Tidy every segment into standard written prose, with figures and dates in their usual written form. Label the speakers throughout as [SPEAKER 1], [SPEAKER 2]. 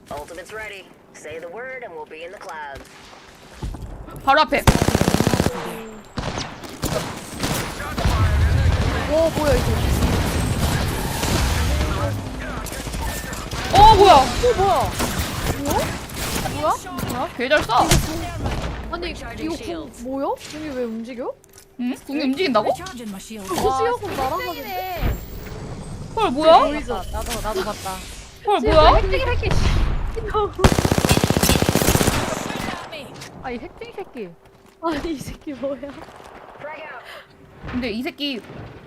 [SPEAKER 1] Ultimate's ready. Say the word and we'll be in the clouds.
[SPEAKER 2] 바로 앞에.
[SPEAKER 3] 와 뭐야 이거?
[SPEAKER 2] 뭐야?
[SPEAKER 3] 뭐야?
[SPEAKER 2] 뭐야? 개잘 쏴.
[SPEAKER 3] 아니 이거 공 뭐야? 공이 왜 움직여?
[SPEAKER 2] 응? 궁이 움직인다고?
[SPEAKER 4] Charging my shield.
[SPEAKER 3] 시야공 날아가는데?
[SPEAKER 2] 헐 뭐야?
[SPEAKER 3] 보이죠?
[SPEAKER 4] 나도 봤다.
[SPEAKER 2] 헐 뭐야?
[SPEAKER 3] 핵쟁이 새끼.
[SPEAKER 4] 아이 핵쟁이 새끼.
[SPEAKER 3] 아니 이 새끼 뭐야?
[SPEAKER 1] Frag out.
[SPEAKER 2] 근데 이 새끼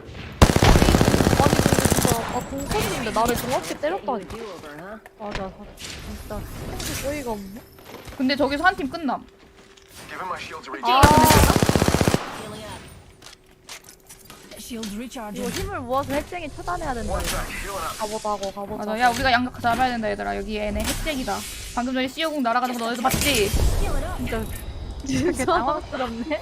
[SPEAKER 3] 아니 근데 진짜 공 쏘는데 나를 정확히 때렸다니.
[SPEAKER 1] Do over, huh?
[SPEAKER 4] 맞아. 진짜.
[SPEAKER 3] 진짜 어이가 없네.
[SPEAKER 2] 근데 저기서 한 팀 끝남.
[SPEAKER 5] Giving my shields a
[SPEAKER 2] 아,
[SPEAKER 1] Healing up.
[SPEAKER 4] Shields
[SPEAKER 3] 이거
[SPEAKER 4] recharging.
[SPEAKER 3] 힘을 모아서 핵쟁이 차단해야 된다.
[SPEAKER 5] One sec, healing up.
[SPEAKER 3] 가보자고 가보자.
[SPEAKER 2] 맞아. 야 우리가 양각 잡아야 된다 얘들아. 여기 얘네 핵쟁이다. 방금 전에 시어공 날아가는 거 너네도 봤지?
[SPEAKER 3] 진짜
[SPEAKER 4] 당황스럽네.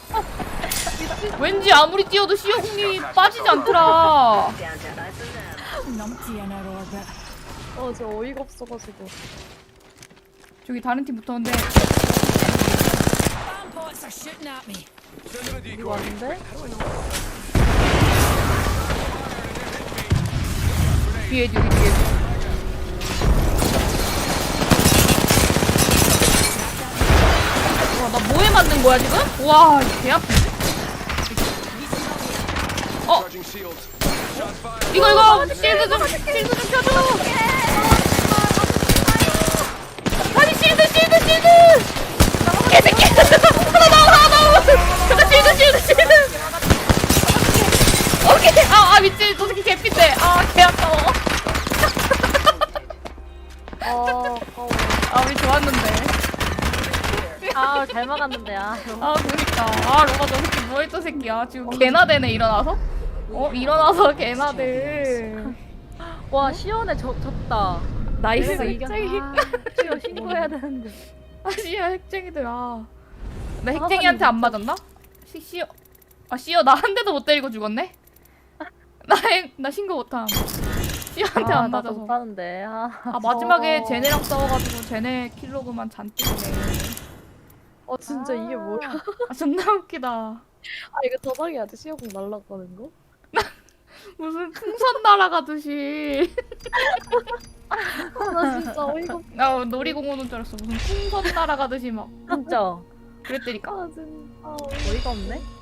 [SPEAKER 2] 왠지 아무리 뛰어도 시어공이 빠지지 않더라.
[SPEAKER 1] Down to us and them.
[SPEAKER 4] Numpty in our orbit.
[SPEAKER 3] 저 어이가 없어가지고.
[SPEAKER 2] 저기 다른 팀 붙었는데
[SPEAKER 4] Bomb pots are shooting at me.
[SPEAKER 3] 이거 왔는데?
[SPEAKER 2] 뒤에 뒤에. 와, 나 뭐에 맞는 거야 지금? 와, 개 아픈데?
[SPEAKER 5] Charging shields. Shots fired.
[SPEAKER 2] 이거 실드 좀 펴줘. 아니 실드. 개새끼. 하나 나와. 잠깐 실드. 오케이. 미친. 저 새끼 개핀데. 개 아까워.
[SPEAKER 3] 아까워.
[SPEAKER 2] 우리 좋았는데.
[SPEAKER 4] 잘 막았는데
[SPEAKER 2] 그니까. 로마 저 새끼 뭐했던 새끼야. 지금 개나 되네 일어나서. 일어나서 개나 돼.
[SPEAKER 4] 와 시연에 졌다.
[SPEAKER 2] 나이스.
[SPEAKER 3] 핵쟁이.
[SPEAKER 4] 시연 신고해야 되는데.
[SPEAKER 2] 아시야 핵쟁이들. 나 핵쟁이한테 안 맞았나? 시어 나 한 대도 못 때리고 죽었네. 나 신고 못함. 시어한테 안 맞아서.
[SPEAKER 4] 못하는데.
[SPEAKER 2] 마지막에 쟤네랑 싸워가지고 쟤네 킬로그만 잔뜩이네.
[SPEAKER 3] 진짜 이게 뭐야?
[SPEAKER 2] 존나 웃기다.
[SPEAKER 3] 이거 저장해야지 시야공 날라가는 거?
[SPEAKER 2] 무슨 풍선 날아가듯이.
[SPEAKER 3] 나 진짜 어이가 없.
[SPEAKER 2] 나 놀이공원 온 줄 알았어. 무슨 풍선 날아가듯이 막
[SPEAKER 4] 진짜.
[SPEAKER 2] 그랬다니까.
[SPEAKER 3] 진짜
[SPEAKER 4] 어이가 없네.